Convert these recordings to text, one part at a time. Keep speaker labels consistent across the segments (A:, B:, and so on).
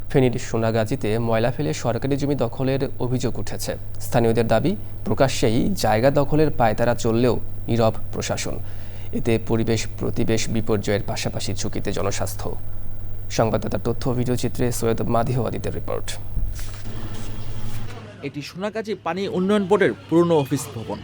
A: ফেনীর সোনাগাজীতে ময়লা ফেলে সরকারি জমি দখলের অভিযোগ উঠেছে। স্থানীয়দের দাবি, প্রকাশ্যেই জায়গা দখলের পায়তারা চললেও নীরব প্রশাসন। এতে পরিবেশ প্রতিবেশ বিপর্যয়ের পাশাপাশি ঝুঁকিতে জনস্বাস্থ্য। সংবাদদাতার তথ্য ও ভিডিওচিত্রে সৈয়দ মাদিহ আদিতের রিপোর্ট।
B: এটি সোনাগাজী পানি উন্নয়ন বোর্ডের পুরনো অফিস ভবন,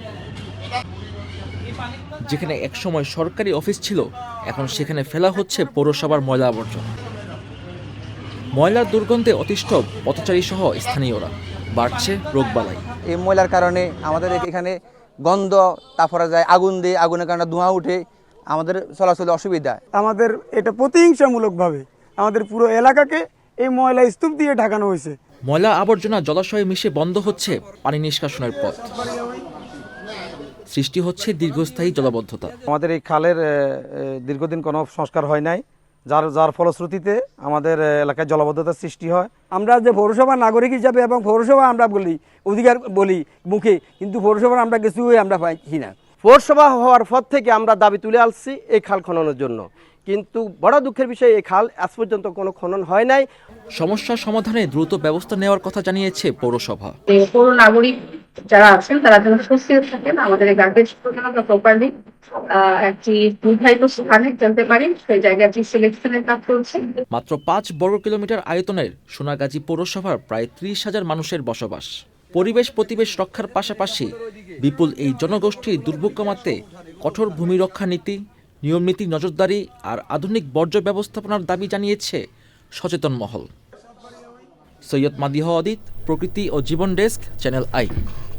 B: যেখানে একসময় সরকারি অফিস ছিল। এখন সেখানে ফেলা হচ্ছে পৌরসভার ময়লা আবর্জনা। ময়লার দুর্গন্ধে অতিষ্ঠ পথচারী সহ স্থানীয়রা। বাড়ছে রোগবালাই।
C: এই ময়লার কারণে আমাদের এখানে গন্ধ, তারপরে যায় আগুন দিয়ে, আগুনের কারণে ধোঁয়া উঠে, আমাদের চলাচলে অসুবিধা।
D: আমাদের এটা প্রতিহিংসামূলকভাবে আমাদের পুরো এলাকাকে এই ময়লা স্তূপ দিয়ে ঢাকানো হয়েছে।
B: ময়লা আবর্জনা জলাশয়ে মিশে বন্ধ হচ্ছে পানি নিষ্কাশনের পথ। সৃষ্টি হচ্ছে দীর্ঘস্থায়ী জলাবদ্ধতা।
E: আমাদের এই খালের দীর্ঘদিন কোনো সংস্কার হয় নাই, যার ফলশ্রুতিতে আমাদের এলাকায় জলাবদ্ধতার সৃষ্টি হয়।
D: আমরা যে পৌরসভা নাগরিক হিসাবে এবং পৌরসভা আমরা বলি অধিকার বলি মুখে, কিন্তু পৌরসভার আমরা কিছুই আমরা পাইছি না।
F: পৌরসভা হওয়ার পর থেকে আমরা দাবি তুলে আসছি এই খাল খননের জন্য, কিন্তু বড় দুঃখের বিষয় এই খাল আজ পর্যন্ত কোনো খনন হয় নাই।
B: সমস্যা সমাধানে দ্রুত ব্যবস্থা নেওয়ার কথা জানিয়েছে পৌরসভা।
G: পৌর নাগরিক যারা আছেন তারা যেন সুস্থির থাকেন, আমাদের এই গার্বেজ আমরা প্রপারলি একটি নির্ধারিত স্থানে জানতে পারি, সেই জায়গাটি সিলেকশনের কাজ চলছে।
B: মাত্র 5 বর্গ কিলোমিটার আয়তনের সোনাগাজী পৌরসভার প্রায় 30,000 মানুষের বসবাস। পরিবেশ প্রতিবেশ রক্ষার পাশাপাশি বিপুল এই জনগোষ্ঠীর দুর্ভোগ কমাতে কঠোর ভূমি রক্ষা নীতি, নিয়মনীতি, নজরদারি আর আধুনিক বর্জ্য ব্যবস্থাপনার দাবি জানিয়েছে সচেতন মহল। সৈয়দ মাদিহ আদিত, প্রকৃতি ও জীবন ডেস্ক, চ্যানেল আই।